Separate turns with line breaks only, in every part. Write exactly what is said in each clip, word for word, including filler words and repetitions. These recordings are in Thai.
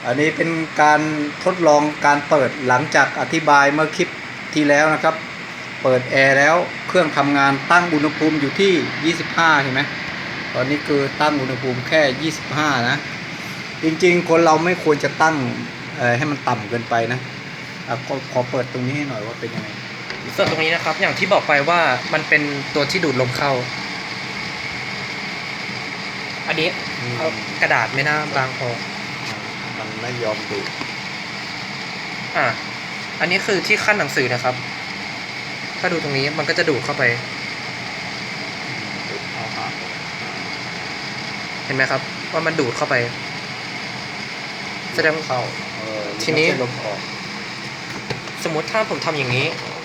อันนี้เป็นการทดลองการเปิดหลังจากอธิบายเมื่อคลิปที่แล้วนะครับเปิดแอร์แล้วเครื่องทำงานตั้งอุณหภูมิอยู่ที่ยี่สิบห้าเห็นไหมตอนนี้คือตั้งอุณหภูมิแค่ยี่สิบห้านะจริงๆคนเราไม่ควรจะตั้งให้มันต่ำเกินไปนะก็ขอเปิดตรงนี้ให้หน่อยว่าเป็นยังไง
ส่วนตรงนี้นะครับอย่างที่บอกไปว่ามันเป็นตัวที่ดูดลมเข้าอันนี้เอากระดาษไม่น่าบางพอ
มันไม่ยอมดูด
อ่ะอันนี้คือที่ขั้นหนังสือนะครับถ้าดูตรงนี้มันก็จะดูดเข้าไปเห็นไหมครับว่ามันดูดเข้าไปแสดง
เข้า
ทีนี้ลมออกสมมติถ้าผมทำอย่างนี้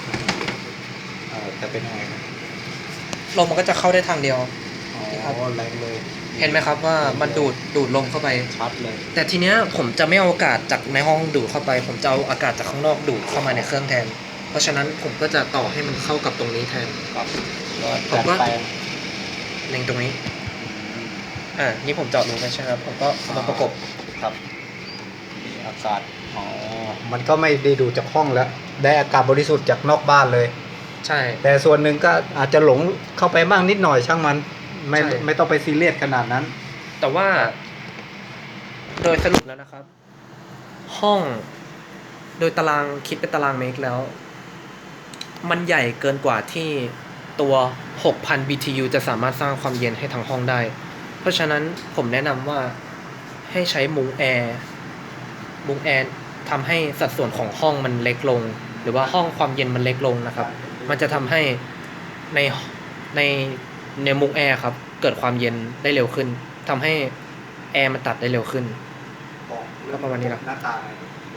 จะเป็นยังไง
ลมมันก็จะเข้าได้ทางเดียว
ครับแรงเลย
เห็นไหมครับว่ามันดูดดูดลมเข้าไป
ชัดเลย
แต่ทีเนี้ยผมจะไม่เอาอากาศจากในห้องดูดเข้าไปผมจะเอาอากาศจากข้างนอกดูดเข้ามาในเครื่องแทนเพราะฉะนั้นผมก็จะต่อให้มันเข้ากับตรงนี้แทนผมก็เล็งตรงนี้อ่านี่ผมเจาะรูไปใช่ครับผมก็มาประกบ
ครับอากาศอ๋อมันก็ไม่ได้ดูจากห้องแล้วได้อากาศบริสุทธิ์จากนอกบ้านเลย
ใช่
แต่ส่วนหนึ่งก็อาจจะหลงเข้าไปบ้างนิดหน่อยช่างมันไม่ไม่ต้องไปซีเรียสขนาดนั้น
แต่ว่าโดยสรุปแล้วนะครับห้องโดยตารางคิดเป็นตารางเมตรแล้วมันใหญ่เกินกว่าที่ตัว หกพัน บี ที ยู จะสามารถสร้างความเย็นให้ทั้งห้องได้เพราะฉะนั้นผมแนะนำว่าให้ใช้มุ้งแอร์มุ้งแอร์ทำให้สัดส่วนของห้องมันเล็กลงหรือว่าห้องความเย็นมันเล็กลงนะครับมันจะทำให้ในในในมุ้งแอร์ครับเกิดความเย็นได้เร็วขึ้นทำให้แอร์มันตัดได้เร็วขึ้นก็ประมาณนี้แหละ